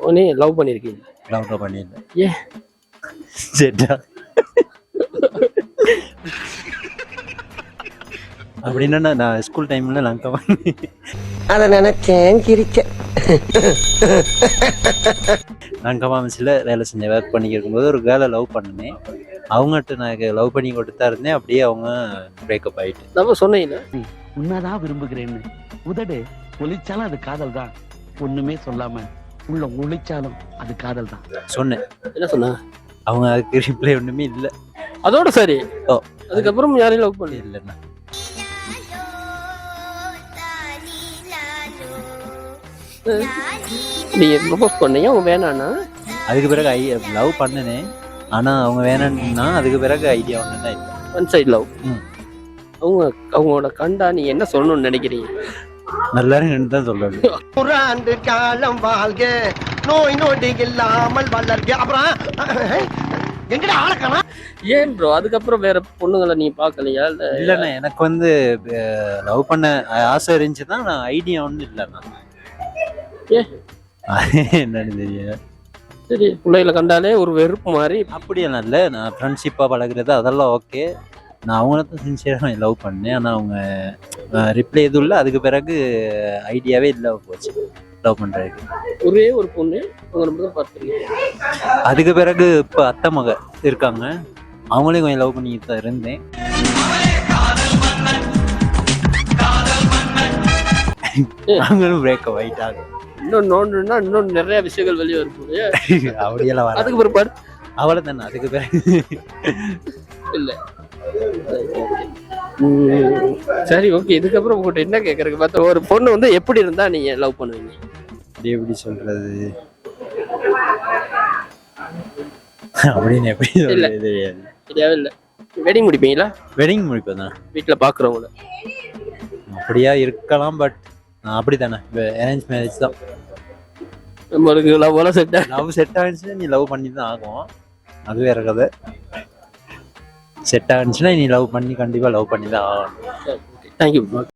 நீ லவ் பண்ணியிருக்கீங்க? லவ் பண்ணியிருந்தேன். ஏன்? சரிடா அப்படின்னா நான் ஸ்கூல் டைம்ல லங்கா பண்ணி அதை நினைச்சேன் சிரிச்சேன். லங்கா மாமஸில் வேலை செஞ்சேன். ஒர்க் பண்ணி இருக்கும்போது ஒரு கேர்ளை லவ் பண்ணினேன். அவங்ககிட்ட நான் லவ் பண்ணி கொடுத்தா இருந்தேன். அப்படியே அவங்க பிரேக்கப் ஆகிட்டு. நம்ம சொன்னீங்க உன்னதான் விரும்புகிறேன்னு உதடு ஒளிச்சாலும் அது காதல் தான். ஒண்ணுமே சொல்லாம உள்ள ஒளிச்சாலும் அது காதல் தான் சொன்னேன். என்ன சொன்னா? அவங்க அதுக்கு ரிப்ளை ஒன்றுமே இல்லை. அதோட சரி. ஓ, அதுக்கப்புறம் யாரையும் லவ் பண்ணி இல்லைண்ணா. நீங்க ப்ரப்போஸ் பண்ணீங்க, அவங்க வேணான்னா? அதுக்கு பிறகு லவ் பண்ணினேன். ஆனால் அவங்க வேணான்னா அதுக்கு பிறகு ஐடியா ஒன்று தான் இல்லை. One side love. அவங்களோட கண்டா நீ என்ன சொல்லணும்னு நினைக்கிறீங்க? நல்லா இருக்குன்னு தான் சொல்லணும். 100 ஆண்டு காலம் வாழ்க, நோய் நொடி இல்லாமல் வளர்க. அப்புறம் எங்கடா ஆளக்கானா? ஏன் ப்ரோ அதுக்கப்புறம் வேற பொண்ணுங்களை நீ பார்க்கலையா? இல்லைண்ணா, எனக்கு வந்து லவ் பண்ண ஆசை இருந்துச்சு தான். நான் ஐடியா ஒன்றும் இல்லைண்ணா. என்னன்னு தெரியல. சரி, பிள்ளைகளை கண்டாலே ஒரு வெறுப்பு மாதிரி. அப்படியெல்லாம் இல்லை. நான் ஃப்ரெண்ட்ஷிப்பாக பழகுறது அதெல்லாம் ஓகே. நான் அவங்கள தான் சின்சியராக லவ் பண்ணேன். ஆனால் அவங்க ரிப்ளை எதுவும் இல்லை. அதுக்கு பிறகு ஐடியாவே இல்லை போச்சு லவ் பண்ணுறதுக்கு. ஒரே ஒரு பொண்ணு உங்களை மட்டும் பார்த்துருக்கீங்க. அதுக்கு பிறகு இப்போ அத்தை மக இருக்காங்க. அவங்களையும் கொஞ்சம் லவ் பண்ணிட்டு தான் இருந்தேன். அவங்களும் பிரேக்கப் ஆகிட்டாங்க. இன்னும் நோண்டுன்னா இன்னும் நிறைய விஷயங்கள் வெளியே வரும்போது அப்படியெல்லாம் வர அதுக்கு பிற்பாடு அவ்வளோ தானே. அதுக்கு பிறகு இல்லை. சரி, ஓகே. இதுக்கப்புறம் உங்கள்கிட்ட என்ன கேட்கறதுக்கு பார்த்தா, ஒரு பொண்ணு வந்து எப்படி இருந்தா நீங்க லவ் பண்ணுவீங்க? எப்படி சொல்றது அப்படின்னு எப்படி சொல்றது தெரியாது. தெரியாவே இல்லை. வெட்டிங் முடிப்பீங்களா? வெட்டிங் முடிப்பேன் தான். வீட்டில் பார்க்குறவங்கள அப்படியா இருக்கலாம். பட் அப்படி தானே, அரேஞ்ச் மேரேஜ் தான். நம்மளுக்கு லவ் செட் ஆகிடுச்சுன்னா நீ லவ் பண்ணி தான் ஆகும். அது வேற கதை. செட் ஆகிடுச்சுன்னா நீ லவ் பண்ணி கண்டிப்பாக லவ் பண்ணி தான் ஆகணும். தேங்க்யூ.